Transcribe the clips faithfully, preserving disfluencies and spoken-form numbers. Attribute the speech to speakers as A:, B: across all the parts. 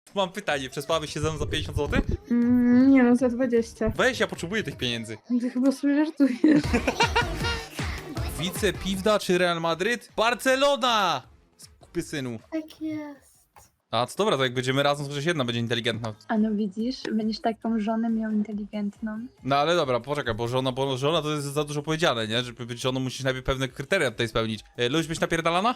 A: Mam pytanie, przespałabyś się ze mną za pięćdziesiąt złotych?
B: Mm, nie no, za dwadzieścia.
A: Weź, ja potrzebuję tych pieniędzy.
B: Ty chyba sobie żartujesz.
A: Wice Piwda czy Real Madryt? Barcelona! Skupy synu.
C: Tak jest.
A: A, co dobra, to jak będziemy razem, to chociaż jedna będzie inteligentna.
D: A no widzisz, będziesz taką żonę miał inteligentną.
A: No ale dobra, poczekaj, bo żona, bo żona to jest za dużo powiedziane, nie? Żeby być żoną musisz najpierw pewne kryteria tutaj spełnić. E, lubisz być napierdalana?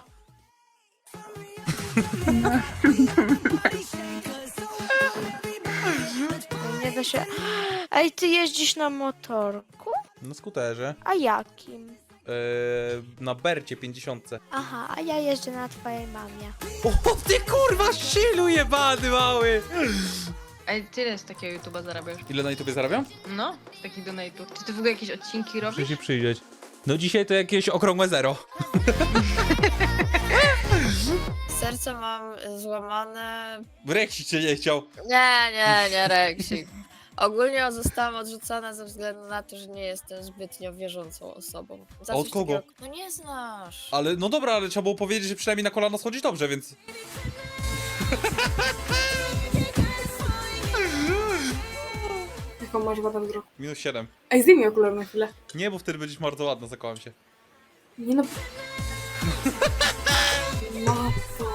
C: Nie da się... Ej, ty jeździsz na motorku?
A: Na skuterze.
C: A jakim?
A: E, na Bercie pięćdziesiąt.
C: Aha, a ja jeżdżę na twojej mamie.
A: O, ty kurwa, szylu jebany mały!
E: Ej, tyle z takiego YouTube'a zarabiasz.
A: Ile na YouTubie zarabiam?
E: No, z takich donate'ów. Czy ty w ogóle jakieś odcinki robisz?
A: Muszę się przyjrzeć. No dzisiaj to jakieś okrągłe zero.
F: Serce mam złamane.
A: Reksik cię nie chciał.
F: Nie, nie, nie, Reksik. Ogólnie zostałam odrzucona ze względu na to, że nie jestem zbytnio wierzącą osobą. Za
A: Od
F: coś
A: kogo?
F: takiego- No nie znasz.
A: Ale no dobra, ale trzeba było powiedzieć, że przynajmniej na kolano schodzić dobrze, więc...
G: Jaką masz wadę wzroku?
A: Minus siedem.
G: Ej, zdejmij okulary na chwilę.
A: Nie, bo wtedy będziesz bardzo ładna, zakłam się.
G: Nie no... Matko.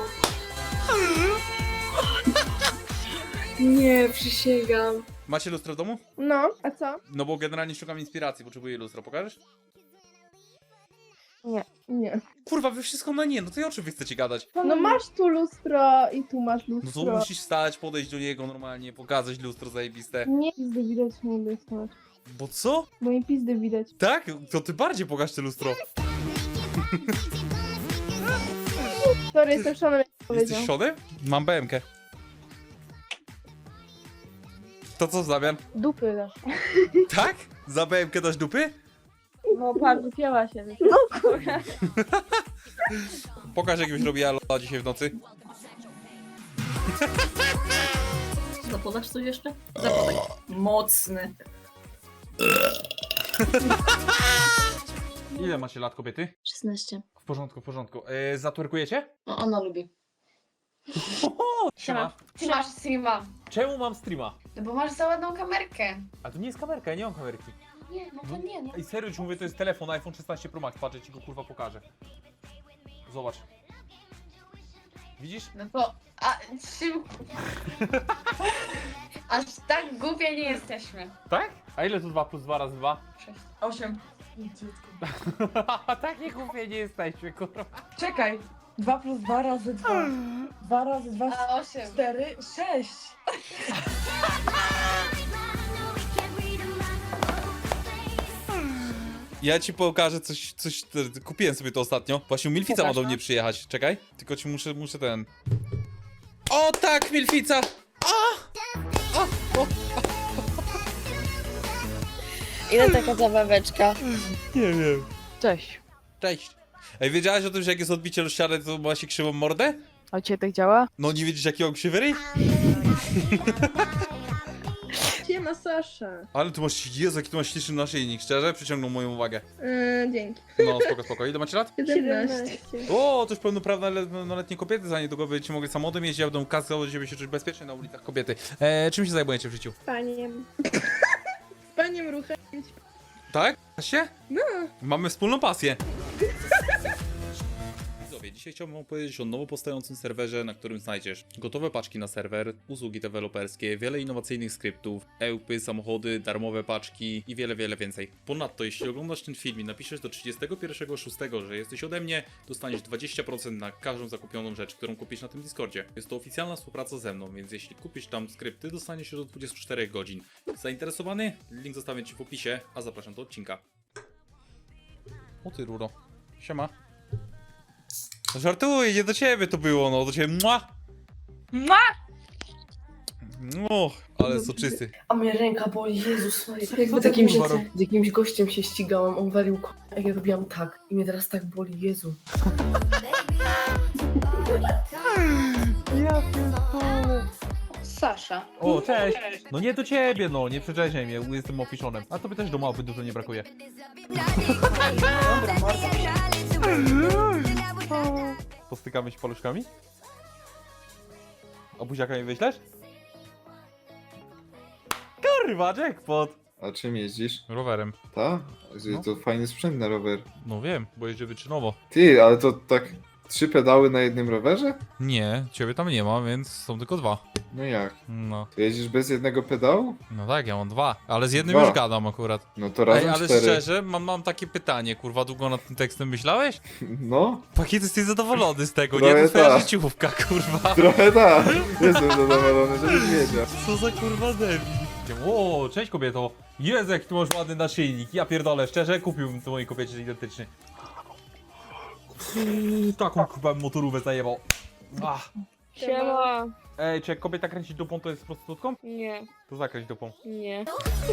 G: Nie, przysięgam.
A: Macie lustro w domu?
B: No, a co?
A: No bo generalnie szukam inspiracji, potrzebuję lustro, pokażesz?
B: Nie.
A: Kurwa, wy wszystko na nie, no to i o czym wy chcecie gadać?
B: No masz tu lustro i tu masz
A: No
B: lustro.
A: to musisz stać, podejść do niego normalnie, pokazać lustro zajebiste.
B: Nie pizdy widać, nie wysłać.
A: Bo co?
B: Bo nie pizdy widać.
A: Tak? To ty bardziej pokaż te lustro.
B: Sorry, jestem Szonem, jak powiedział.
A: Jesteś Szonem? Mam B M K. To co w zamian?
B: Dupy dasz.
A: Tak? Za B M K dasz dupy?
B: No patrz, wypięła się. No kurwa.
A: Pokaż jak byś robiła lola dzisiaj w nocy.
H: Zapodasz coś jeszcze? Zapodaj. Mocny.
A: Ile macie lat, kobiety?
H: szesnaście.
A: W porządku, w porządku. Yy, zatwerkujecie?
H: No, ona lubi.
A: Siema.
H: Ty masz streama.
A: Czemu mam streama?
H: No bo masz za ładną kamerkę.
A: A to nie jest kamerka, ja nie mam kamerki.
H: Nie, no to nie, no.
A: Ej, serio ci mówię, to jest telefon iPhone szesnaście Pro Max, patrzę, ci go kurwa pokażę. Zobacz. Widzisz?
H: No to... A czym... Aż tak głupie nie jesteśmy.
A: Tak? A ile to dwa plus dwa razy dwa?
H: sześć. osiem.
A: Takie głupie nie jesteśmy, kurwa.
I: Czekaj. dwa plus dwa razy dwa. dwa razy dwa.
H: A osiem.
I: cztery, sześć.
A: Ja ci pokażę coś, coś, te- kupiłem sobie to ostatnio. Właśnie Milfica ma do mnie przyjechać, czekaj. Tylko ci muszę, muszę ten... O tak, Milfica!
F: Ile taka zabaweczka?
A: Nie wiem.
I: Cześć.
A: Cześć. Ej, wiedziałaś o tym, że jak jest odbicie do ściany, to ma się krzywą mordę?
I: A u ciebie tak działa?
A: No nie widzisz jakiego krzywy?
B: Siema Sasza.
A: Ale tu masz, Jezu, jaki tu masz śliczny naszyjnik, szczerze? Przyciągnął moją uwagę.
B: Yy, dzięki.
A: No, spoko, spoko. Ile macie lat?
B: siedemnaście.
A: O, to już pełnoprawnoletnie kobiety, za niedługo będziecie mogli samochodem jeździć, ja będę kazał, żeby się czuć bezpiecznie na ulicach kobiety. E, czym się zajmujecie w życiu?
B: Paniem. Z paniem ruchem.
A: Tak? Się? No. Mamy wspólną pasję. Widzowie, dzisiaj chciałbym wam powiedzieć o nowo powstającym serwerze, na którym znajdziesz gotowe paczki na serwer, usługi deweloperskie, wiele innowacyjnych skryptów, ełpy, samochody, darmowe paczki i wiele, wiele więcej. Ponadto, jeśli oglądasz ten film i napiszesz do trzydziestego pierwszego szóstego, że jesteś ode mnie, dostaniesz dwadzieścia procent na każdą zakupioną rzecz, którą kupisz na tym Discordzie. Jest to oficjalna współpraca ze mną, więc jeśli kupisz tam skrypty, dostaniesz się do dwudziestu czterech godzin. Zainteresowany? Link zostawię ci w opisie, a zapraszam do odcinka. O ty ruro. Siema. No żartuję, nie do ciebie to było, no do ciebie. Mua!
H: Ma!
A: No, ale soczysty.
G: A moja ręka boli, Jezus Maria.
A: Co
G: Jakby
A: ty,
G: z jakimś,
A: kurwa, rob-
G: z jakimś gościem się ścigałam, on walił k***, a ja robiłam tak. I mnie teraz tak boli, Jezu.
H: Sasza.
A: O, cześć. No nie do ciebie, no, nie przeczeźniaj mnie, jestem ofiszonem. A tobie też do małpy dużo nie brakuje. Postykamy się paluszkami? A buziaka mi wyślesz? Kurwa, jackpot!
J: A czym jeździsz?
A: Rowerem.
J: Ta?
A: No.
J: To fajny sprzęt na rower.
A: No wiem, bo jeżdżę wyczynowo.
J: Ty, ale to tak trzy pedały na jednym rowerze?
A: Nie, ciebie tam nie ma, więc są tylko dwa.
J: No jak?
A: No.
J: To jeździsz bez jednego pedału?
A: No tak, ja mam dwa. Ale z jednym
J: Dwa.
A: już gadam akurat.
J: No to razem
A: Ej, ale
J: cztery.
A: szczerze, mam, mam takie pytanie, kurwa, długo nad tym tekstem myślałeś?
J: No,
A: Pakiet, jesteś zadowolony z tego,
J: Trochę
A: nie? To twoja
J: tak.
A: życiówka, kurwa.
J: trochę tak. Jestem zadowolony, żebyś wiedział.
A: Co za kurwa debil. O, cześć kobieto. Jezu, jaki tu masz ładny naszyjnik. Ja pierdolę, szczerze, kupiłbym to mojej kobiecie identyczny. Taką kurwa motorówę zajebał. Ach.
C: Siema.
A: Ej, czy jak kobieta kręci dupą, to jest prostytutką?
C: Nie,
A: To zakręć dupą.
C: nie.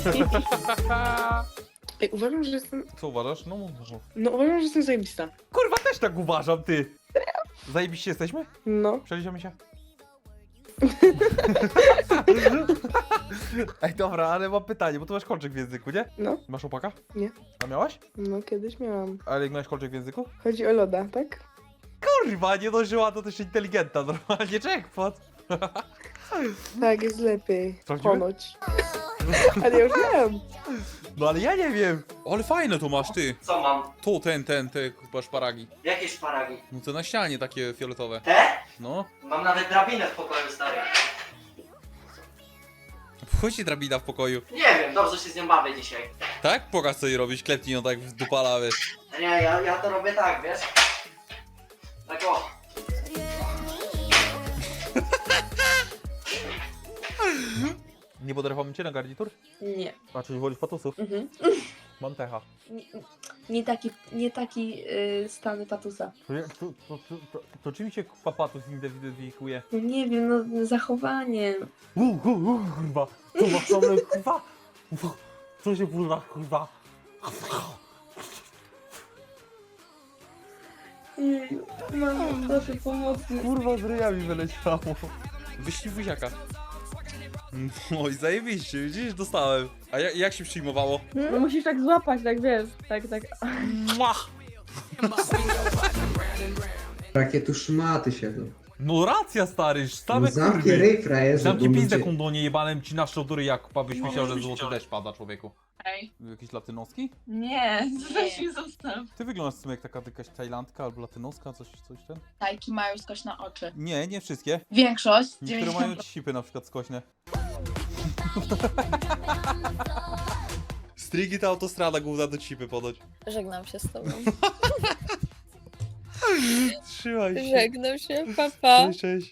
G: Ej, uważam, że jestem...
A: Co uważasz? No, mów, mów.
G: No uważam, że jestem zajebista.
A: Kurwa, też tak uważam, ty. Zajebiście jesteśmy?
G: No.
A: Przeliczymy się. Ej, dobra, ale mam pytanie, bo tu masz kolczyk w języku, nie?
G: No.
A: Masz opaka?
G: Nie.
A: A miałaś?
G: No, kiedyś miałam.
A: Ale jak miałeś kolczyk w języku?
G: Chodzi o loda, tak?
A: Kurwa, nie dożyła, to też inteligentna, normalnie jackpot.
G: Tak, jest lepiej.
A: Sprawdzimy?
G: Ponoć. Ale ja już miałam.
A: No ale ja nie wiem. Ale fajne to masz, ty.
K: Co mam?
A: Tu, ten, ten, te, chyba szparagi.
K: Jakie szparagi?
A: No te na ścianie takie fioletowe.
K: Te?
A: No.
K: Mam nawet drabinę w pokoju, stary.
A: Wchodzi drabina w pokoju.
K: Nie wiem, dobrze się z nią bawię dzisiaj.
A: Tak? Pokaż co jej robisz, klepnij ją tak w dupala, wiesz.
K: Nie, ja, ja to robię tak, wiesz? Tak o.
A: Nie podrapamy cię na garnitur?
B: Nie.
A: A czy wolisz patusów?
B: Mhm.
A: Mam techa.
B: Nie, nie taki, nie taki y, stan patusa.
A: To, to, to, to, to, to czym się papatus identyfikuje?
B: No nie wiem, no zachowanie.
A: Uuu, uuu, kurwa. To masz problem, kurwa. Co się kurwa, kurwa.
B: Jeju, mamo, proszę pomocy.
A: Kurwa, z ryjami wyleciało. Wyślij buziaka. No i zajebiście, widzisz, dostałem. A jak, jak się przyjmowało?
B: No musisz tak złapać, tak wiesz, tak, tak.
A: Mua!
L: Jakie tu szmaty siedzą.
A: No racja, stary, same
L: Zamknij
A: kurwy.
L: ryj, frajerze,
A: Zamknij
L: bo
A: pizdę
L: ludzie-
A: kondonie, jebanem ci na szczodury, jak abyś myślał, że złoty deszcz pada, człowieku.
H: Ej.
A: Jakiś latynoski?
H: Nie, weź mi zostaw.
A: Ty wyglądasz w sumie jak taka jakaś tajlandka albo latynoska, coś, coś ten?
H: Tajki mają skośne oczy.
A: Nie, nie wszystkie.
H: Większość.
A: Niektóre mają cipy na przykład skośne. Strigi ta autostrada główna do cipy podać.
F: Żegnam się z tobą.
A: Trzymaj się.
F: Żegnam się, papa.
A: Cześć, cześć.